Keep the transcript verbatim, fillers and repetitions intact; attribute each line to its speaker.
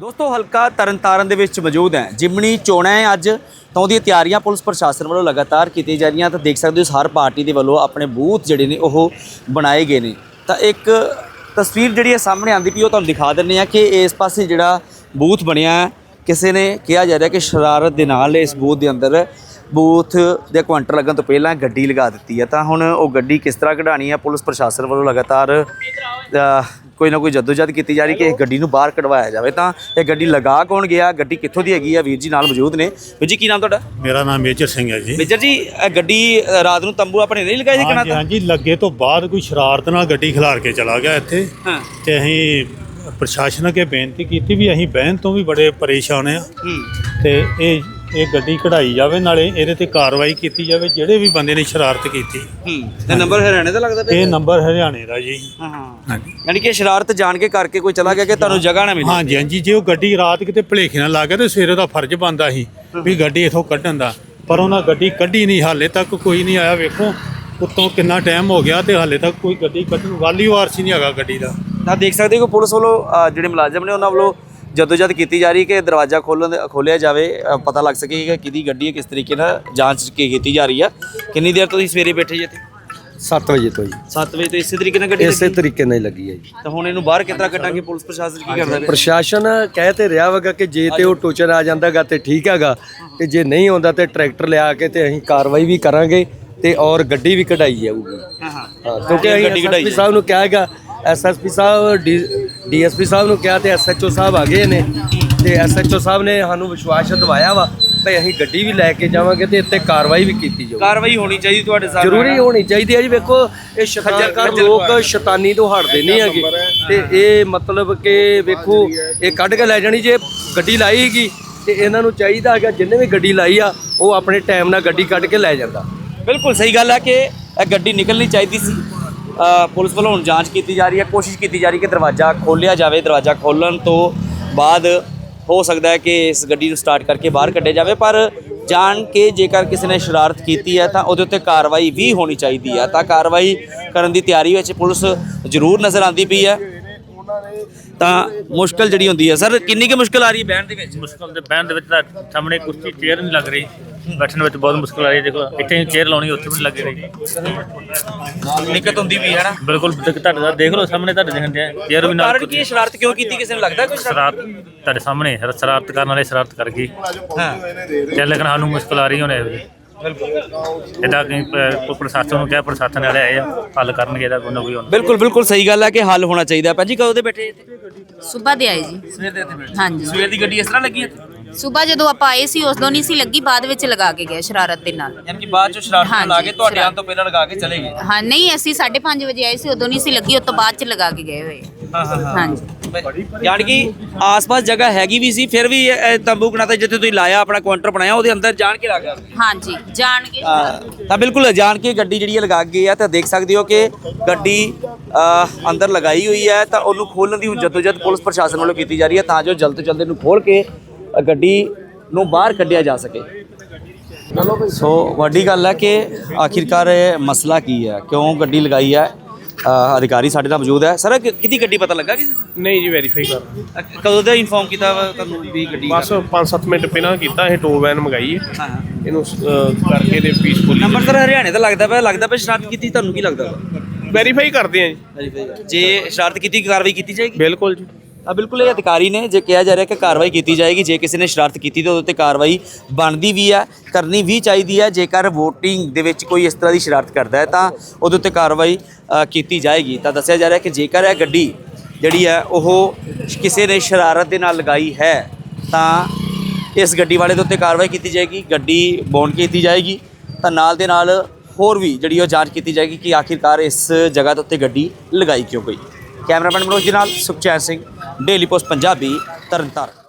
Speaker 1: ਦੋਸਤੋ ਹਲਕਾ ਤਰਨਤਾਰਨ ਦੇ ਵਿੱਚ ਮੌਜੂਦ ਹੈ। ਜਿਮਣੀ ਚੋਣਾਂ ਹੈ ਅੱਜ ਤਾਂ ਉਹਦੀਆਂ ਤਿਆਰੀਆਂ ਪੁਲਿਸ ਪ੍ਰਸ਼ਾਸਨ ਵੱਲੋਂ ਲਗਾਤਾਰ ਕੀਤੀਆਂ ਜਾ ਰਹੀਆਂ। ਤਾਂ ਦੇਖ ਸਕਦੇ ਹੋ ਹਰ ਪਾਰਟੀ ਦੇ ਵੱਲੋਂ ਆਪਣੇ ਬੂਥ ਜਿਹੜੇ ਨੇ ਉਹ ਬਣਾਏ ਗਏ ਨੇ। ਤਾਂ ਇੱਕ ਤਸਵੀਰ ਜਿਹੜੀ ਹੈ ਸਾਹਮਣੇ ਆਉਂਦੀ ਪਈ ਉਹ ਤੁਹਾਨੂੰ ਦਿਖਾ ਦਿੰਦੇ ਆ ਕਿ ਇਸ ਪਾਸੇ ਜਿਹੜਾ ਬੂਥ ਬਣਿਆ ਕਿਸੇ ਨੇ ਕਿਹਾ ਜਾ ਰਿਹਾ ਕਿ ਸ਼ਰਾਰਤ ਦੇ ਨਾਲ ਇਸ ਬੂਥ ਦੇ ਅੰਦਰ ਬੂਥ ਦੇ ਕੁਆਂਟਰ ਲੱਗਣ ਤੋਂ ਪਹਿਲਾਂ ਗੱਡੀ ਲਗਾ ਦਿੱਤੀ ਹੈ। ਤਾਂ ਹੁਣ ਉਹ ਗੱਡੀ ਕਿਸ ਤਰ੍ਹਾਂ ਕਢਾਣੀ ਹੈ, ਪੁਲਿਸ ਪ੍ਰਸ਼ਾਸਨ ਵੱਲੋਂ ਲਗਾਤਾਰ ਕੋਈ ਨਾ ਕੋਈ ਜਦੋਜਹਿਦ ਕੀਤੀ ਜਾ ਰਹੀ ਕਿ ਇਸ ਗੱਡੀ ਨੂੰ ਬਾਹਰ ਕਢਵਾਇਆ ਜਾਵੇ। ਤਾਂ ਇਹ ਗੱਡੀ ਲਗਾ ਕੌਣ ਗਿਆ, ਗੱਡੀ ਕਿੱਥੋਂ ਦੀ ਹੈਗੀ ਆ, ਵੀਰ ਜੀ ਨਾਲ ਮੌਜੂਦ ਨੇ। ਵੀਰ ਜੀ ਕੀ ਨਾਮ ਤੁਹਾਡਾ?
Speaker 2: ਮੇਰਾ ਨਾਮ ਮੇਜਰ ਸਿੰਘ ਹੈ ਜੀ।
Speaker 1: ਮੇਜਰ ਜੀ ਇਹ ਗੱਡੀ ਰਾਤ ਨੂੰ ਤੰਬੂ ਆਪਣੇ ਨਹੀਂ ਲਗਾਏ ਸੀ ਕਿਨਾਂ?
Speaker 2: ਹਾਂਜੀ ਹਾਂਜੀ, ਲੱਗੇ ਤੋਂ ਬਾਅਦ ਕੋਈ ਸ਼ਰਾਰਤ ਨਾਲ ਗੱਡੀ ਖਿਲਾਰ ਕੇ ਚਲਾ ਗਿਆ ਇੱਥੇ।
Speaker 1: ਹਾਂ
Speaker 2: ਤੇ ਅਸੀਂ ਪ੍ਰਸ਼ਾਸਨ ਅੱਗੇ ਬੇਨਤੀ ਕੀਤੀ ਵੀ ਅਸੀਂ ਬਹਿਣ ਤੋਂ ਵੀ ਬੜੇ ਪਰੇਸ਼ਾਨ ਆ ਤੇ ਇਹ ਇਹ ਗੱਡੀ ਕਢਾਈ ਜਾਵੇ, ਨਾਲੇ ਇਹਦੇ ਤੇ ਕਾਰਵਾਈ ਕੀਤੀ ਜਾਵੇ ਜਿਹੜੇ ਵੀ ਬੰਦੇ ਨੇ ਸ਼ਰਾਰਤ ਕੀਤੀ।
Speaker 1: ਹੂੰ ਤੇ ਨੰਬਰ ਹਰਿਆਣੇ ਦਾ ਲੱਗਦਾ ਪਿਆ?
Speaker 2: ਇਹ ਨੰਬਰ ਹਰਿਆਣੇ ਦਾ ਜੀ।
Speaker 1: ਹਾਂ ਹਾਂ
Speaker 2: ਹਾਂਜੀ,
Speaker 1: ਯਾਨੀ ਕਿ ਸ਼ਰਾਰਤ ਜਾਣ ਕੇ ਕਰਕੇ ਕੋਈ ਚਲਾ ਗਿਆ ਕਿ ਤੁਹਾਨੂੰ ਜਗ੍ਹਾ ਨਾ ਮਿਲੇ।
Speaker 2: ਹਾਂਜੀ ਹਾਂਜੀ, ਜੇ ਉਹ ਗੱਡੀ ਰਾਤ ਕਿਤੇ ਭੁਲੇਖੇ ਨਾਲ ਲੱਗ ਗਿਆ ਤੇ ਸਵੇਰੇ ਦਾ ਫਰਜ਼ ਬਣਦਾ ਸੀ ਵੀ ਗੱਡੀ ਇਥੋਂ ਕੱਢਣ ਦਾ, ਪਰ ਉਹਨਾਂ ਗੱਡੀ ਕੱਢੀ ਨਹੀਂ। ਹਾਲੇ ਤੱਕ ਕੋਈ ਨਹੀਂ ਆਇਆ। ਵੇਖੋ ਉੱਤੋਂ ਕਿੰਨਾ ਟਾਈਮ ਹੋ ਗਿਆ ਤੇ ਹਾਲੇ ਤੱਕ ਕੋਈ ਗੱਡੀ ਕੱਢਣ ਵਾਲੀ ਵਾਰਸ ਹੀ ਨਹੀਂ ਹੈਗਾ ਗੱਡੀ ਦਾ।
Speaker 1: ਤਾਂ ਦੇਖ ਸਕਦੇ ਹੋ ਕਿ ਪੁਲਿਸ ਵੱਲੋਂ ਜਿਹੜੇ ਮੁਲਾਜ਼ਮ ਨੇ ਉਹਨਾਂ ਵੱਲੋਂ ਜਦੋਜਹਿਦ ਕੀਤੀ ਜਾ ਰਹੀ ਕਿ ਦਰਵਾਜ਼ਾ ਖੋਲ੍ਹਣ ਖੋਲ੍ਹਿਆ ਜਾਵੇ, ਪਤਾ ਲੱਗ ਸਕੇ ਕਿ ਕਿਹਦੀ ਗੱਡੀ ਹੈ, ਕਿਸ ਤਰੀਕੇ ਨਾਲ ਜਾਂਚ ਕੀ ਕੀਤੀ ਜਾ ਰਹੀ ਹੈ। ਕਿੰਨੀ ਦੇਰ ਤੋਂ ਤੁਸੀਂ ਸਵੇਰੇ ਬੈਠੇ ਜੀ ਇੱਥੇ?
Speaker 3: ਸੱਤ ਵਜੇ ਤੋਂ ਜੀ।
Speaker 1: ਸੱਤ ਵਜੇ ਤੋਂ ਇਸੇ ਤਰੀਕੇ ਨਾਲ ਗੱਡੀ
Speaker 3: ਇਸੇ
Speaker 1: ਲੱਗੀ?
Speaker 3: ਤਰੀਕੇ ਨਾਲ ਹੀ ਲੱਗੀ ਹੈ ਜੀ।
Speaker 1: ਤਾਂ ਹੁਣ ਇਹਨੂੰ ਬਾਹਰ ਕਿਸ ਤਰ੍ਹਾਂ ਕੱਢਾਂਗੇ? ਪੁਲਿਸ ਪ੍ਰਸ਼ਾਸਨ ਕੀ ਕਰਦਾ ਹੈ?
Speaker 3: ਪ੍ਰਸ਼ਾਸਨ ਕਹਿ ਤੇ ਰਿਹਾ ਵਗਾ ਕਿ ਜੇ ਤੇ ਉਹ ਟੋਚਰ ਆ ਜਾਂਦਾਗਾ ਤੇ ਠੀਕ ਹੈਗਾ, ਤੇ ਜੇ ਨਹੀਂ ਆਉਂਦਾ ਤੇ ਟਰੈਕਟਰ ਲਿਆ ਕੇ ਤੇ ਅਸੀਂ ਕਾਰਵਾਈ ਵੀ ਕਰਾਂਗੇ ਤੇ ਔਰ ਗੱਡੀ ਵੀ ਕਢਾਈ ਜਾਊਗੀ।
Speaker 1: ਹਾਂ ਹਾਂ
Speaker 3: ਹਾਂ, ਕਿਉਂਕਿ ਅਸੀਂ ਐਸਐਸਪੀ ਸਾਹਿਬ ਨੂੰ ਕਿਹਾ ਹੈਗਾ, ਐਸਐਸਪੀ ਸਾਹਿਬ ਡੀਐਸਪੀ ਸਾਹਿਬ ਨੂੰ ਕਿਹਾ ਤੇ ਐਸਐਚਓ ਸਾਹਿਬ ਆ ਗਏ ਨੇ ਤੇ ਐਸਐਚਓ ਸਾਹਿਬ ਨੇ ਸਾਨੂੰ ਵਿਸ਼ਵਾਸ ਦਿਵਾਇਆ ਵਾ ਤੇ ਅਸੀਂ ਗੱਡੀ ਵੀ ਲੈ ਕੇ ਜਾਵਾਂਗੇ ਤੇ ਇੱਥੇ ਕਾਰਵਾਈ ਵੀ ਕੀਤੀ ਜਾਊਗੀ।
Speaker 1: ਕਾਰਵਾਈ ਹੋਣੀ ਚਾਹੀਦੀ ਤੁਹਾਡੇ ਸਾਹਮਣੇ,
Speaker 3: ਜ਼ਰੂਰੀ ਹੋਣੀ ਚਾਹੀਦੀ ਹੈ ਜੀ। ਵੇਖੋ ਇਹ ਸ਼ੈਤਾਨ ਲੋਕ ਸ਼ੈਤਾਨੀ ਤੋਂ ਹਟਦੇ ਨਹੀਂ ਹੈਗੇ ਤੇ ਇਹ ਮਤਲਬ ਕਿ ਵੇਖੋ ਇਹ ਕੱਢ ਕੇ ਲੈ ਜਾਣੀ। ਜੇ ਗੱਡੀ ਲਾਈ ਹੈਗੀ ਤੇ ਇਹਨਾਂ ਨੂੰ ਚਾਹੀਦਾ ਹੈਗਾ ਜਿੰਨੇ ਵੀ ਗੱਡੀ ਲਾਈ ਆ ਉਹ ਆਪਣੇ ਟਾਈਮ ਨਾਲ ਗੱਡੀ ਕੱਢ ਕੇ ਲੈ ਜਾਂਦਾ।
Speaker 1: ਬਿਲਕੁਲ ਸਹੀ ਗੱਲ ਹੈ ਕਿ ਇਹ ਗੱਡੀ ਨਿਕਲਣੀ ਚਾਹੀਦੀ ਸੀ। ਪੁਲਿਸ ਵੱਲੋਂ ਹੁਣ ਜਾਂਚ ਕੀਤੀ ਜਾ ਰਹੀ ਹੈ, ਕੋਸ਼ਿਸ਼ ਕੀਤੀ ਜਾ ਰਹੀ ਕਿ ਦਰਵਾਜ਼ਾ ਖੋਲ੍ਹਿਆ ਜਾਵੇ। ਦਰਵਾਜ਼ਾ ਖੋਲ੍ਹਣ ਤੋਂ ਬਾਅਦ ਹੋ ਸਕਦਾ ਹੈ ਕਿ ਇਸ ਗੱਡੀ ਨੂੰ ਸਟਾਰਟ ਕਰਕੇ ਬਾਹਰ ਕੱਢਿਆ ਜਾਵੇ, ਪਰ ਜਾਣ ਕੇ ਜੇਕਰ ਕਿਸੇ ਨੇ ਸ਼ਰਾਰਤ ਕੀਤੀ ਹੈ ਤਾਂ ਉਹਦੇ ਉੱਤੇ ਕਾਰਵਾਈ ਵੀ ਹੋਣੀ ਚਾਹੀਦੀ ਹੈ। ਤਾਂ ਕਾਰਵਾਈ ਕਰਨ ਦੀ ਤਿਆਰੀ ਵਿੱਚ ਪੁਲਿਸ ਜ਼ਰੂਰ ਨਜ਼ਰ ਆਉਂਦੀ ਪਈ ਹੈ। ਤਾਂ ਮੁਸ਼ਕਲ ਜਿਹੜੀ ਹੁੰਦੀ ਹੈ ਸਰ, ਕਿੰਨੀ ਕੁ ਮੁਸ਼ਕਲ ਆ ਰਹੀ ਹੈ ਬਹਿਣ ਦੇ ਵਿੱਚ?
Speaker 4: ਮੁਸ਼ਕਲ ਦੇ ਬਹਿਣ ਦੇ ਵਿੱਚ ਤਾਂ ਸਾਹਮਣੇ ਕੁਰਸੀ ਚੇਅਰ ਨਹੀਂ ਲੱਗ ਰਹੀ, ਬੈਠਣ ਵਿੱਚ ਬਹੁਤ ਮੁਸ਼ਕਲ ਆ ਰਹੀ ਹੈ। ਦੇਖੋ ਇੱਥੇ ਚੇਅਰ ਲਾਉਣੀ ਉੱਥੇ ਵੀ ਲੱਗ ਰਹੀ,
Speaker 1: ਦਿੱਕਤ ਹੁੰਦੀ ਵੀ ਹੈ ਨਾ।
Speaker 4: ਬਿਲਕੁਲ ਤੁਹਾਡੇ ਦਾ ਦੇਖ ਲਓ ਸਾਹਮਣੇ ਤੁਹਾਡੇ ਦੇਖਦੇ ਚੇਅਰ ਵੀ ਨਾਲ।
Speaker 1: ਕਾਰਨ ਕੀ ਸ਼ਰਾਰਤ ਕਿਉਂ ਕੀਤੀ? ਕਿਸੇ ਨੂੰ ਲੱਗਦਾ ਕੋਈ
Speaker 4: ਸ਼ਰਾਰਤ ਤੁਹਾਡੇ ਸਾਹਮਣੇ ਸ਼ਰਾਰਤ ਕਰਨ ਵਾਲੇ ਸ਼ਰਾਰਤ ਕਰ ਗਈ।
Speaker 1: ਹਾਂ
Speaker 4: ਤੇ ਲੇਕਿਨ ਸਾਨੂੰ ਮੁਸ਼ਕਲ ਆ ਰਹੀ ਹੁਣ ਇਹ ਇਹਦਾ ਕਿ ਪ੍ਰਸ਼ਾਸਨ ਨੂੰ ਕਿਹਾ, ਪ੍ਰਸ਼ਾਸਨ ਵਾਲੇ ਆਏ ਆ ਹੱਲ ਕਰਨਗੇ ਇਹਦਾ ਕੋਈ ਨਾ ਕੋਈ।
Speaker 1: ਬਿਲਕੁਲ ਬਿਲਕੁਲ ਸਹੀ ਗੱਲ ਹੈ ਕਿ ਹੱਲ ਹੋਣਾ ਚਾਹੀਦਾ। ਭਾਜੀ ਕਦੋਂ ਦੇ ਬੈਠੇ ਇੱਥੇ?
Speaker 5: ਸੁਬਾ ਦੇ ਆਏ ਜੀ।
Speaker 1: ਸਵੇਰ ਦੇ ਇੱਥੇ ਬੈਠੇ?
Speaker 5: ਹਾਂਜੀ,
Speaker 1: ਸਵੇਰ ਦੀ ਗੱਡੀ ਇਸ ਤਰ੍ਹਾਂ ਲੱਗੀ ਹੈ?
Speaker 5: ਸੁਬਾ ਜਦੋਂ ਆਪਾਂ ਆਏ ਸੀ ਉਦੋਂ ਨਹੀਂ ਸੀ ਲੱਗੀ, ਬਾਅਦ ਵਿੱਚ ਲਗਾ ਕੇ ਗਏ ਸ਼ਰਾਰਤ ਦੇ ਨਾਲ।
Speaker 1: ਯਾਨੀ ਕਿ ਬਾਅਦ ਚੋਂ ਸ਼ਰਾਰਤ ਨਾਲ ਲਾ ਕੇ
Speaker 5: ਹਾਂਜੀ,
Speaker 1: ਤੁਹਾਡੇ ਆਉਣ ਤੋਂ ਪਹਿਲਾਂ ਲਗਾ ਕੇ ਚਲੇ ਗਏ?
Speaker 5: ਹਾਂ ਨਹੀਂ, ਅਸੀਂ ਸਾਢੇ ਪੰਜ ਵਜੇ ਆਏ ਸੀ ਉਦੋਂ ਨਹੀਂ ਸੀ ਲੱਗੀ, ਉਸ ਤੋਂ ਬਾਅਦ ਚ ਲਗਾ ਕੇ ਗਏ ਹੋਏ।
Speaker 1: ਹਾਂ ਹਾਂ ਹਾਂ
Speaker 5: ਹਾਂਜੀ,
Speaker 1: ਯਾਨੀ ਕਿ ਆਸ-ਪਾਸ ਜਗ੍ਹਾ ਹੈਗੀ ਵੀ ਸੀ, ਫਿਰ ਵੀ ਇਹ ਤੰਬੂ ਬਣਾਤਾ ਜਿੱਥੇ ਤੁਸੀਂ ਲਾਇਆ ਆਪਣਾ ਕਾਊਂਟਰ ਬਣਾਇਆ ਉਹਦੇ ਅੰਦਰ ਜਾਣ ਕੇ ਲੱਗਾ।
Speaker 5: ਹਾਂਜੀ ਜਾਣ ਕੇ।
Speaker 1: ਤਾਂ ਬਿਲਕੁਲ ਜਾਣ ਕੇ ਗੱਡੀ ਜਿਹੜੀ ਹੈ ਲਗਾ ਗਈ ਹੈ। ਤਾਂ ਦੇਖ ਸਕਦੇ ਹੋ ਕਿ ਗੱਡੀ ਅੰਦਰ ਲਗਾਈ ਹੋਈ ਹੈ। ਤਾਂ ਉਹਨੂੰ ਖੋਲ੍ਹਣ ਦੀ ਹੁਣ ਜਦੋਜਹਿਦ ਪੁਲਿਸ ਪ੍ਰਸ਼ਾਸਨ ਵੱਲੋਂ ਕੀਤੀ ਜਾ ਰਹੀ ਹੈ ਤਾਂ ਜੋ ਜਲਦ ਤੋਂ ਜਲਦ ਇਹਨੂੰ ਖੋਲ੍ਹ ਕੇ ਗੱਡੀ ਨੂੰ ਬਾਹਰ ਕੱਢਿਆ ਜਾ ਸਕੇ। ਸੋ ਵੱਡੀ ਗੱਲ ਹੈ ਕਿ ਆਖਿਰਕਾਰ ਇਹ ਮਸਲਾ ਕੀ ਹੈ, ਕਿਉਂ ਗੱਡੀ ਲਗਾਈ ਹੈ। ਅਧਿਕਾਰੀ ਸਾਡੇ ਨਾਲ ਮੌਜੂਦ ਹੈ। ਸਰ ਕਿਹਦੀ ਗੱਡੀ ਪਤਾ ਲੱਗਾ ਕਿਸੇ ਨੂੰ?
Speaker 6: ਨਹੀਂ ਜੀ, ਵੈਰੀਫਾਈ ਕਰ
Speaker 1: ਕਦੋਂ ਦਾ ਇਨਫੋਰਮ ਕੀਤਾ ਵਾ ਤੁਹਾਨੂੰ ਵੀ ਗੱਡੀ?
Speaker 6: ਬਸ ਪੰਜ ਸੱਤ ਮਿੰਟ ਪਹਿਲਾਂ ਕੀਤਾ। ਇਹ ਟੋ ਵੈਨ ਮੰਗਾਈ ਹੈ,
Speaker 1: ਹਾਂ ਹਾਂ
Speaker 6: ਇਹਨੂੰ ਅਹ, ਕਰਕੇ ਤੇ ਪੀਸਫੁਲੀ
Speaker 1: ਨੰਬਰ ਸਰ ਹਰਿਆਣੇ ਦਾ ਲੱਗਦਾ ਪਿਆ, ਲੱਗਦਾ ਪਿਆ ਸ਼ਰਾਰਤ ਕੀਤੀ। ਤੁਹਾਨੂੰ ਕੀ ਲੱਗਦਾ ਵਾ?
Speaker 6: ਵੈਰੀਫਾਈ ਕਰਦੇ ਆ ਜੀ।
Speaker 1: ਜੇ ਸ਼ਰਾਰਤ ਕੀਤੀ ਕਾਰਵਾਈ ਕੀਤੀ ਜਾਏਗੀ?
Speaker 6: ਬਿਲਕੁਲ ਜੀ।
Speaker 1: ਆ ਬਿਲਕੁਲ ਇਹ ਅਧਿਕਾਰੀ ਨੇ ਜੇ ਕਿਹਾ ਜਾ ਰਿਹਾ ਕਿ ਕਾਰਵਾਈ ਕੀਤੀ ਜਾਏਗੀ। ਜੇ ਕਿਸੇ ਨੇ ਸ਼ਰਾਰਤ ਕੀਤੀ ਤਾਂ ਉਹਦੇ ਉੱਤੇ ਕਾਰਵਾਈ ਬਣਦੀ ਵੀ ਹੈ, ਕਰਨੀ ਵੀ ਚਾਹੀਦੀ ਹੈ। ਜੇਕਰ ਵੋਟਿੰਗ ਦੇ ਵਿੱਚ ਕੋਈ ਇਸ ਤਰ੍ਹਾਂ ਦੀ ਸ਼ਰਾਰਤ ਕਰਦਾ ਹੈ ਤਾਂ ਉਹਦੇ ਉੱਤੇ ਕਾਰਵਾਈ ਕੀਤੀ ਜਾਏਗੀ। ਤਾਂ ਦੱਸਿਆ ਜਾ ਰਿਹਾ ਕਿ ਜੇਕਰ ਇਹ ਗੱਡੀ ਜਿਹੜੀ ਹੈ ਉਹ ਕਿਸੇ ਨੇ ਸ਼ਰਾਰਤ ਦੇ ਨਾਲ ਲਗਾਈ ਹੈ ਤਾਂ ਇਸ ਗੱਡੀ ਵਾਲੇ ਦੇ ਉੱਤੇ ਕਾਰਵਾਈ ਕੀਤੀ ਜਾਏਗੀ, ਗੱਡੀ ਬੌਂਡ ਕੀਤੀ ਜਾਏਗੀ। ਤਾਂ ਨਾਲ ਦੇ ਨਾਲ ਹੋਰ ਵੀ ਜਿਹੜੀ ਉਹ ਜਾਂਚ ਕੀਤੀ ਜਾਏਗੀ ਕਿ ਆਖਿਰਕਾਰ ਇਸ ਜਗ੍ਹਾ ਦੇ ਉੱਤੇ ਗੱਡੀ ਲਗਾਈ ਕਿਉਂ ਗਈ। ਕੈਮਰਾਮੈਨ ਮਨੋਜ ਦੇ ਨਾਲ ਸੁਖਚੈਨ ਸਿੰਘ, ਡੇਲੀ ਪੋਸਟ ਪੰਜਾਬੀ, ਤਰਨਤਾਰਨ।